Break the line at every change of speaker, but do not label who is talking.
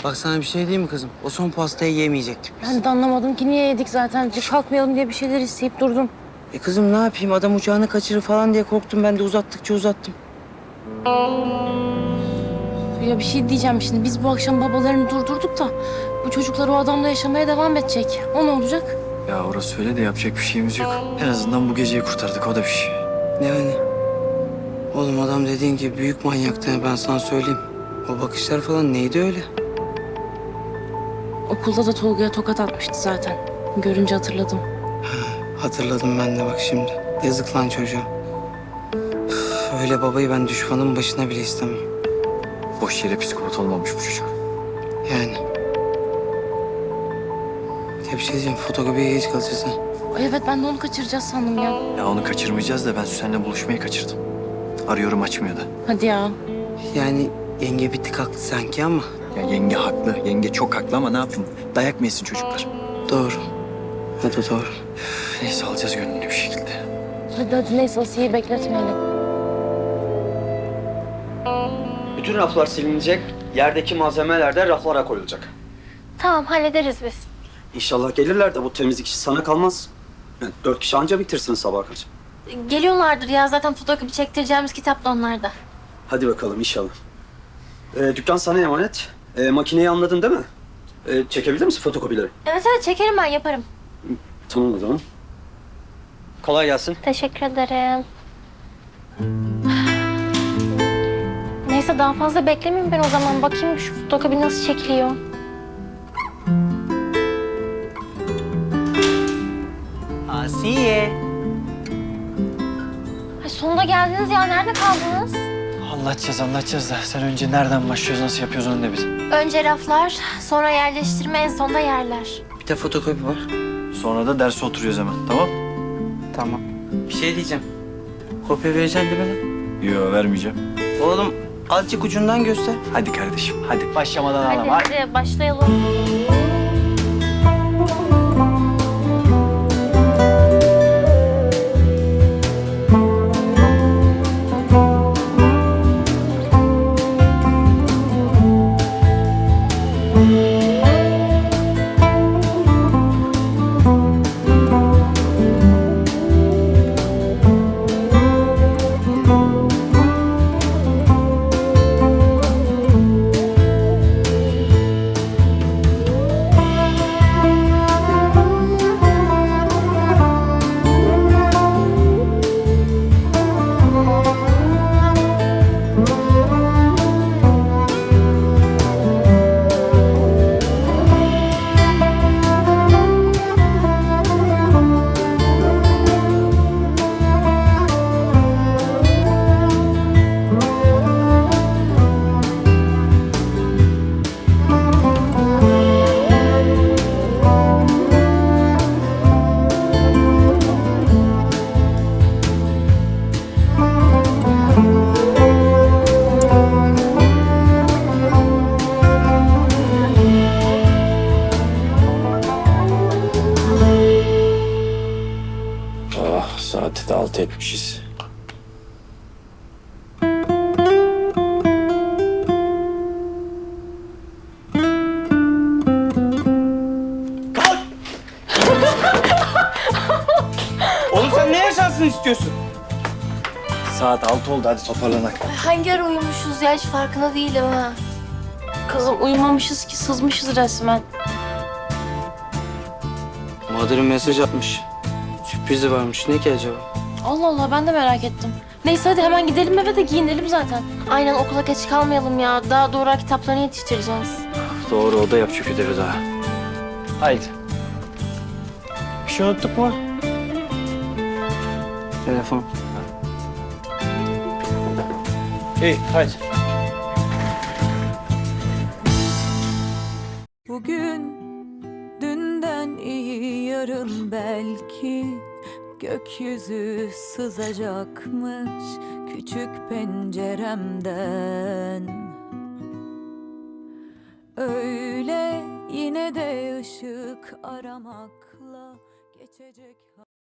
Bak sana bir şey diyeyim mi kızım? O son pastayı yemeyecektik biz.
Ben de anlamadım ki niye yedik zaten. Kalkmayalım diye bir şeyler isteyip durdum.
Kızım ne yapayım? Adam uçağını kaçırır falan diye korktum. Ben de uzattıkça uzattım.
Ya bir şey diyeceğim şimdi. Biz bu akşam babalarını durdurduk da bu çocuklar o adamla yaşamaya devam edecek. O ne olacak?
Ya orası öyle de yapacak bir şeyimiz yok. En azından bu geceyi kurtardık, o da bir şey.
Yani. Oğlum adam dediğin gibi büyük manyaktı. Ben sana söyleyeyim. O bakışlar falan neydi öyle?
Okulda da Tolga'ya tokat atmıştı zaten. Görünce hatırladım.
Hatırladım ben de bak şimdi. Yazık lan çocuğa. Üf, öyle babayı ben düşmanın başına bile istemem.
Boş yere psikopat olmamış bu çocuk.
Yani. Ya bir şey diyeceğim. Fotokopiye geç kalacağız ha.
Ay evet ben de onu kaçıracağız sandım ya.
Ya onu kaçırmayacağız da ben Süsen'le buluşmayı kaçırdım. Arıyorum, açmıyor da.
Hadi ya.
Yani yenge bir tık haklı sanki ama.
Ya yenge haklı, yenge çok haklı ama ne yapayım? Dayak mı yesin çocuklar?
Doğru. O da doğru.
Üf, neyse, alacağız gönlünü bir şekilde.
Hadi neyse Asiye'yi bekletmeyelim.
Bütün raflar silinecek, yerdeki malzemeler de raflara koyulacak.
Tamam hallederiz biz.
İnşallah gelirler de bu temizlik işi sana kalmaz. Yani 4 kişi anca bitirsiniz sabah kadar.
Geliyorlardır ya zaten fotokopi çektireceğimiz kitap da onlarda.
Hadi bakalım inşallah. Dükkan sana emanet. Makineyi anladın değil mi? Çekebilir misin fotokopileri?
Evet çekerim ben yaparım.
Tamam o zaman. Kolay gelsin.
Teşekkür ederim. Neyse daha fazla beklemeyeyim ben o zaman. Bakayım şu fotokopi nasıl çekiliyor.
Asiye.
Ay sonunda geldiniz ya. Nerede kaldınız?
Anlatacağız da sen önce nereden başlıyoruz, nasıl yapıyoruz onu da bil.
Önce raflar, sonra yerleştirme, en sonda yerler.
Bir de fotokopi var.
Sonra da derse oturuyoruz hemen, tamam?
Tamam. Bir şey diyeceğim. Kopya vereceksin değil mi lan?
Yo, vermeyeceğim.
Oğlum azıcık ucundan göster.
Hadi kardeşim, hadi. Başlamadan
Hadi
ağlama.
hadi başlayalım.
Saati de 6 etmişiz.
Oğlum sen ne yaşansın istiyorsun?
Saat 6 oldu, hadi toparlanak.
Hangi ara uyumuşuz ya hiç farkında değilim ha.
Kızım uyumamışız ki sızmışız resmen.
Madır'ın mesaj atmış. Sürprizi varmış. Ne ki acaba?
Allah Allah ben de merak ettim. Neyse hadi hemen gidelim eve de giyinelim zaten.
Aynen okula geç kalmayalım ya. Daha doğru kitaplarını yetiştireceğiz.
Doğru, o da yapacak ödevi daha. Haydi. Bir şey unuttuk mu?
Telefon.
İyi, haydi.
Bugün dünden iyi yarın belki gökyüzü sızacakmış küçük penceremden. Öyle yine de ışık aramakla geçecek.